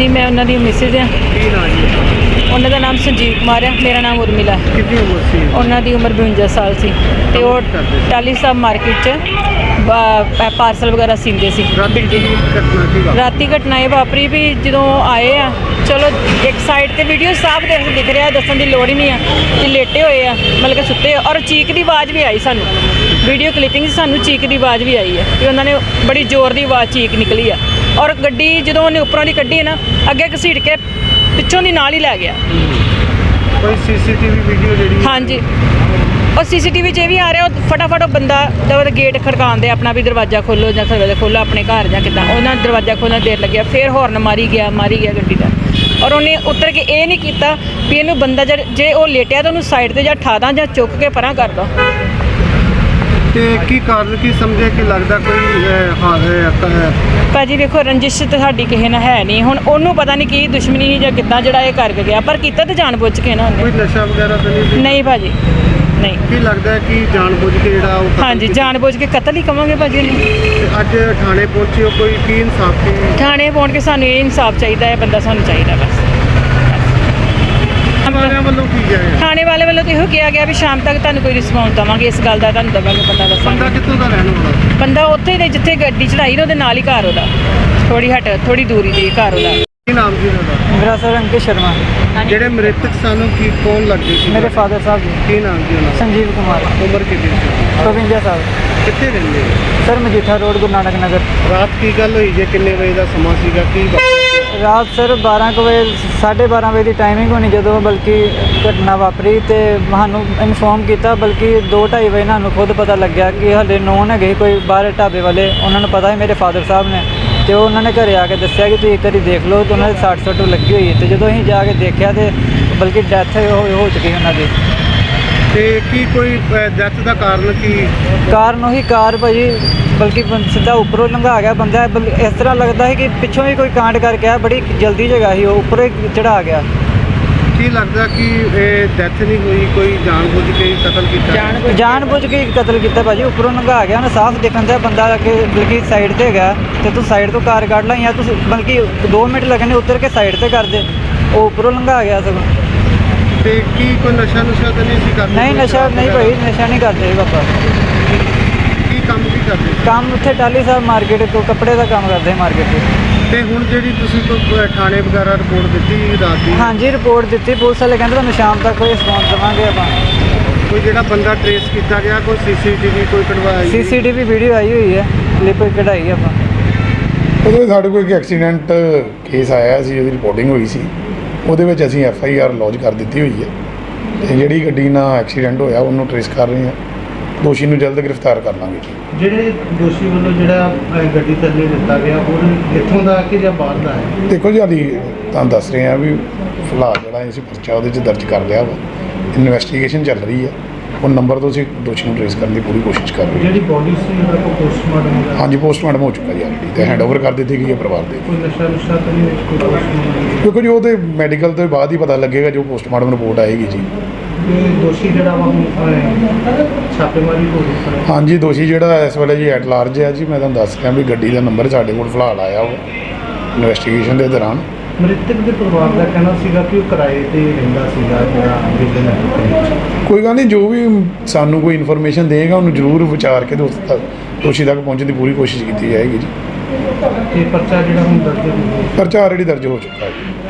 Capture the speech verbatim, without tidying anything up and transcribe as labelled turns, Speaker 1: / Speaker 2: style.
Speaker 1: जी मैं उन्होंने मिसिज हाँ। उन्होंने नाम संजीव कुमार है, मेरा नाम उर्मिला।
Speaker 2: कितनी उम्र सी
Speaker 1: उन्होंने उम्र बवंजा साल सी ते वो टाली साहब मार्केट च पार्सल वगैरह सींदे सी। राती घटना ये वापरी भी जो आए आ चलो एक साइड ते वीडियो साफ देख दिख रहा, दसन की लोड़ ही नहीं है कि लेटे हुए आ मतलब कि सुते और चीक की आवाज़ भी आई सानू वीडियो क्लिपिंग सानू चीक की आवाज़ भी आई है कि उन्होंने बड़ी जोर की आवाज़ चीक निकली है और गड्डी जो उन्हें उपरों की कड्ढी है ना अगे घसीट के पिछों की नाल ही लै गया।
Speaker 2: कोई सीसीटीवी वीडियो जी?
Speaker 1: हाँ जी और सीसीटीवी च भी आ रहा फटाफट वो बंदा दवा गेट खड़कान दे अपना भी दरवाजा खोलो या दरवाजा खोलो अपने घर या कितना उन्हें दरवाजा खोलना देर लगे फिर हॉर्न मारी गया मारी गया गड्डी का और उन्हें उतर के ये नहीं किया भी इनू बंदा ज जे वो लेटिया तो उन्होंने साइड से या ठा दा या चुक के परा कर दो।
Speaker 2: की कारण की समझे कि लगता कोई हाँ
Speaker 1: भाजी वेखो रंजिश तो साड़ी किसी ने है नहीं हुण ओनू पता नहीं की दुश्मनी या कितना जड़ा ये करके गया पर किता तो जान बुझ के ना
Speaker 2: कोई नशा वगैरह तो नहीं?
Speaker 1: नहीं भाजी नहीं।
Speaker 2: की लगता है कि जानबूझ के ਜਿਹੜਾ ਉਹ
Speaker 1: हाँ जी जानबूझ के कतल ही कवांगे भाजी
Speaker 2: ਅੱਜ ਥਾਣੇ ਪਹੁੰਚੇ ਹੋ ਕੋਈ ਕੀ ਇਨਸਾਫ ਕੀ
Speaker 1: थाने पहुंच के सानू ये इंसाफ चाहिए है बंदा सानू चाहिए बस।
Speaker 2: ਵਾਲਿਆਂ ਵੱਲੋਂ ਕੀ ਜਾਏ
Speaker 1: थाने वाले वालों तो यो किया गया भी शाम तक तुहानू कोई रिस्पॉन्स देवांगे इस गल दा तुहानू देवांगे पता दसांगे।
Speaker 2: ਬੰਦਾ ਕਿੱਥੋਂ ਦਾ ਰਹਿਣ ਵਾਲਾ?
Speaker 1: बंदा उत्थे दे जिथे गड्डी चढ़ाई ना उहदे नाल ही घर ओहदा थोड़ी हट थोड़ी दूरी ते घर ओहदा।
Speaker 2: ਕੀ ਨਾਮ ਜੀ ਉਹਦਾ?
Speaker 3: मेरा सर अंकित शर्मा।
Speaker 2: ਜਿਹੜੇ ਮ੍ਰਿਤਕ ਸਾਨੂੰ ਕੀ ਕੌਣ ਲੱਗਦੇ ਸੀ?
Speaker 3: मेरे फादर साहब जी।
Speaker 2: ਕੀ ਨਾਮ ਜੀ ਉਹਨਾਂ ਦਾ?
Speaker 3: संजीव कुमार।
Speaker 2: ਉਮਰ ਕਿੰਨੀ ਸੀ?
Speaker 3: बवंजा साल।
Speaker 2: ਕਿੱਥੇ ਰਹਿੰਦੇ ਹੋ?
Speaker 3: सर मजीठा रोड गुरु नानक नगर।
Speaker 2: ਰਾਤ ਕੀ ਗੱਲ ਹੋਈ ਜੇ ਕਿੰਨੇ ਵਜੇ ਦਾ ਸਮਾਂ ਸੀਗਾ ਕੀ
Speaker 3: रात सर बारह ਕੁ ਵਜੇ ਸਾਢੇ ਬਾਰ੍ਹਾਂ ਵਜੇ ਦੀ ਟਾਈਮਿੰਗ ਹੋਣੀ ਜਦੋਂ ਬਲਕਿ ਘਟਨਾ ਵਾਪਰੀ ਤੇ ਸਾਨੂੰ ਇਨਫੋਰਮ ਕੀਤਾ ਬਲਕਿ ਦੋ ਢਾਈ ਵਜੇ ਸਾਨੂੰ ਖੁਦ ਪਤਾ ਲੱਗਿਆ ਕਿ ਹਲੇ ਨੋਨ ਹੈਗੇ ਕੋਈ ਬਾਹਰ ਢਾਬੇ ਵਾਲੇ ਉਹਨਾਂ ਨੂੰ ਪਤਾ ਹੈ ਮੇਰੇ ਫਾਦਰ ਸਾਹਿਬ ਨੇ ਤੇ ਉਹਨਾਂ ਨੇ ਘਰੇ ਆ ਕੇ ਦੱਸਿਆ ਕਿ ਤੁਸੀਂ ਇੱਕ ਵਾਰੀ ਦੇਖ ਲਓ ਤੇ ਉਹਨਾਂ ਦੇ ਸੱਟ ਸੁੱਟ ਲੱਗੀ ਹੋਈ ਹੈ ਤੇ ਜਦੋਂ ਅਸੀਂ ਜਾ ਕੇ ਦੇਖਿਆ ਤੇ ਬਲਕਿ ਡੈਥ ਹੋ ਚੁੱਕੀ ਉਹਨਾਂ ਦੀ।
Speaker 2: ਤੇ ਕੀ ਕੋਈ ਡੈਥ ਦਾ ਕਾਰਨ ਕੀ?
Speaker 3: ਕਾਰਨ ਉਹੀ ਕਾਰ ਭਾਜੀ ਬਲਕਿ ਸਿੱਧਾ ਉੱਪਰੋਂ ਲੰਘਾ ਗਿਆ ਬੰਦਾ ਇਸ ਤਰ੍ਹਾਂ ਲੱਗਦਾ ਹੈ ਕਿ ਪਿੱਛੋਂ ਵੀ ਕੋਈ ਕਾਂਡ ਕਰਕੇ ਆ ਬੜੀ ਜਲਦੀ ਜਗ੍ਹਾ ਸੀ ਉਹ ਉੱਪਰੋਂ ਚੜਾ ਗਿਆ।
Speaker 2: ਕੀ ਲੱਗਦਾ ਕਿ ਇਹ ਡੈਥ ਨਹੀਂ ਹੋਈ ਕੋਈ ਜਾਣਬੁੱਝ ਕੇ ਕਤਲ ਕੀਤਾ?
Speaker 3: ਜਾਣਬੁੱਝ ਕੇ ਕਤਲ ਕੀਤਾ ਭਾਜੀ ਉੱਪਰੋਂ ਲੰਘਾ ਗਿਆ ਉਹਨੇ ਸਾਫ਼ ਦੇਖਣ ਦਾ ਬੰਦਾ ਕਿ ਬਲਕਿ ਸਾਈਡ ਤੇ ਹੈਗਾ ਤੇ ਤੂੰ ਸਾਈਡ ਤੋਂ ਕਾਰ ਕੱਢ ਲਾ ਜਾਂ ਤੁਸੀਂ ਬਲਕਿ ਦੋ ਮਿੰਟ ਲੱਗਣੇ ਉਤਰ ਕੇ ਸਾਈਡ ਤੇ ਕਰ ਦੇ ਉਹ ਉੱਪਰੋਂ ਲੰਘਾ ਗਿਆ ਸਗੋਂ।
Speaker 2: ਤੇ ਕੀ ਕੋਈ ਨਸ਼ਾ ਨੁਸ਼ਾ ਤਾਂ ਨਹੀਂ ਸੀ ਕਰਦੇ?
Speaker 3: ਨਹੀਂ ਨਸ਼ਾ ਨਹੀਂ ਭਾਈ ਨਸ਼ਾ ਨਹੀਂ ਕਰਦੇ ਪਾਪਾ।
Speaker 2: ਕੀ ਕੰਮ ਕੀ ਕਰਦੇ?
Speaker 3: ਕੰਮ ਉੱਥੇ ਟਾਲੀ ਸਾਹਿਬ ਮਾਰਕੀਟ ਤੋਂ ਕੱਪੜੇ ਦਾ ਕੰਮ ਕਰਦੇ ਮਾਰਕੀਟ 'ਚ।
Speaker 2: ਤੇ ਹੁਣ ਜਿਹੜੀ ਤੁਸੀਂ ਕੋਈ ਥਾਣੇ ਵਗੈਰਾ ਰਿਪੋਰਟ ਦਿੱਤੀ ਰਾਤ ਦੀ?
Speaker 3: ਹਾਂਜੀ ਰਿਪੋਰਟ ਦਿੱਤੀ ਪੁਲਿਸ ਵਾਲੇ ਕਹਿੰਦੇ ਤੁਹਾਨੂੰ ਸ਼ਾਮ ਤੱਕ ਕੋਈ ਰਿਸਪੌਂਸ ਦੇਵਾਂਗੇ ਆਪਾਂ।
Speaker 2: ਕੋਈ ਜਿਹੜਾ ਬੰਦਾ ਟ੍ਰੇਸ ਕੀਤਾ ਗਿਆ ਕੋਈ ਸੀਸੀਟੀਵੀ ਕੋਈ ਕਢਵਾਈ?
Speaker 3: ਸੀਸੀਟੀਵੀ ਵੀਡੀਓ ਆਈ ਹੋਈ ਹੈ ਕਲਿੱਪ ਕਢਾਈ ਆਪਾਂ।
Speaker 4: ਉਹਦੇ ਸਾਡੇ ਕੋਲ ਇੱਕ ਐਕਸੀਡੈਂਟ ਕੇਸ ਆਇਆ ਸੀ ਉਹਦੀ ਰਿਪੋਰਟਿੰਗ ਹੋਈ ਸੀ ਉਹਦੇ ਵਿੱਚ ਅਸੀਂ ਐਫ ਆਈ ਆਰ ਲੌਜ ਕਰ ਦਿੱਤੀ ਹੋਈ ਹੈ ਤੇ ਜਿਹੜੀ ਗੱਡੀ ਨਾਲ ਐਕਸੀਡੈਂਟ ਹੋਇਆ ਉਹਨੂੰ ਟ੍ਰੇਸ ਕਰ ਰਹੇ ਹਾਂ ਦੋਸ਼ੀ ਨੂੰ ਜਲਦ ਗ੍ਰਿਫਤਾਰ ਕਰ ਲਾਂਗੇ ਜੀ।
Speaker 2: ਜਿਹੜੇ ਦੋਸ਼ੀ ਵੱਲੋਂ ਜਿਹੜਾ ਗੱਡੀ ਥੱਲੇ ਦਿੱਤਾ ਗਿਆ ਉਹ ਇੱਥੋਂ ਦਾ ਕਿ ਜਾਂ ਬਾਹਰ ਦਾ ਹੈ?
Speaker 4: ਦੇਖੋ ਜੀ ਹਾਲੀ ਤੁਹਾਨੂੰ ਦੱਸ ਰਹੇ ਹਾਂ ਵੀ ਫਿਲਹਾਲ ਜਿਹੜਾ ਅਸੀਂ ਪਰਚਾ ਉਹਦੇ 'ਚ ਦਰਜ ਕਰ ਲਿਆ ਵਾ ਇਨਵੈਸਟੀਗੇਸ਼ਨ ਚੱਲ ਰਹੀ ਹੈ ਉਹ ਨੰਬਰ ਤੋਂ ਅਸੀਂ ਦੋਸ਼ੀ ਨੂੰ ਟ੍ਰੇਸ ਕਰਨ ਦੀ ਪੂਰੀ ਕੋਸ਼ਿਸ਼ ਕਰ ਰਹੇ ਹਾਂ।
Speaker 2: ਜਿਹੜੀ ਬੋਡੀ ਸੀ ਉਹਦਾ ਕੋਈ ਪੋਸਟਮਾਰਟਮ ਹੋਇਆ?
Speaker 4: ਹਾਂਜੀ ਪੋਸਟਮਾਰਟਮ ਹੋ ਚੁੱਕਾ ਜੀ ਆਲਰੇਡੀ ਤੇ ਹੈਂਡਓਵਰ ਕਰ ਦਿੱਤੀ ਗਈ ਹੈ ਪਰਿਵਾਰ ਦੇ।
Speaker 2: ਕੋਈ ਨਸ਼ਾ ਨੁਸ਼ਾ ਤਾਂ ਨਹੀਂ ਕੋਈ ਪੋਸਟਮਾਰਟਮ?
Speaker 4: ਕਿਉਂਕਿ ਜੀ ਉਹਦੇ ਮੈਡੀਕਲ ਤੋਂ ਬਾਅਦ ਹੀ ਪਤਾ ਲੱਗੇਗਾ ਜੋ ਪੋਸਟਮਾਰਟਮ ਰਿਪੋਰਟ ਆਏਗੀ ਜੀ।
Speaker 2: ਦੋਸ਼ੀ ਜਿਹੜਾ ਵਾ ਛਾਪੇਮਾਰੀ ਹੋ ਰਹੀ?
Speaker 4: ਹਾਂਜੀ ਦੋਸ਼ੀ ਜਿਹੜਾ ਇਸ ਵੇਲੇ ਜੀ ਐਟ ਲਾਰਜ ਹੈ ਜੀ ਮੈਂ ਤੁਹਾਨੂੰ ਦੱਸ ਰਿਹਾ ਵੀ ਗੱਡੀ ਦਾ ਨੰਬਰ ਸਾਡੇ ਕੋਲ ਫਿਲਹਾਲ ਆਇਆ ਵਾ ਇਨਵੈਸਟੀਗੇਸ਼ਨ ਦੇ ਦੌਰਾਨ।
Speaker 2: ਮ੍ਰਿਤਕ ਦੇ ਪਰਿਵਾਰ ਦਾ ਕਹਿਣਾ ਸੀਗਾ ਕਿ ਉਹ ਕਿਰਾਏ ਤੇ ਰਹਿੰਦਾ ਸੀਗਾ ਜਿਹੜਾ ਵਿਜਨ।
Speaker 4: ਕੋਈ ਗੱਲ ਨਹੀਂ ਜੋ ਵੀ ਸਾਨੂੰ ਕੋਈ ਇਨਫੋਰਮੇਸ਼ਨ ਦੇਗਾ ਉਹਨੂੰ ਜ਼ਰੂਰ ਵਿਚਾਰ ਕੇ ਦੋਸਤ ਤੱਕ ਦੋਸ਼ੀ ਤੱਕ ਪਹੁੰਚਣ ਦੀ ਪੂਰੀ ਕੋਸ਼ਿਸ਼ ਕੀਤੀ ਜਾਏਗੀ ਜੀ।
Speaker 2: ਤੇ ਪਰਚਾ ਜਿਹੜਾ ਹੁਣ ਦਰਜ ਹੋ ਗਿਆ?
Speaker 4: ਪਰਚਾ ਆਲਰੇਡੀ ਦਰਜ ਹੋ ਚੁੱਕਾ ਹੈ ਜੀ।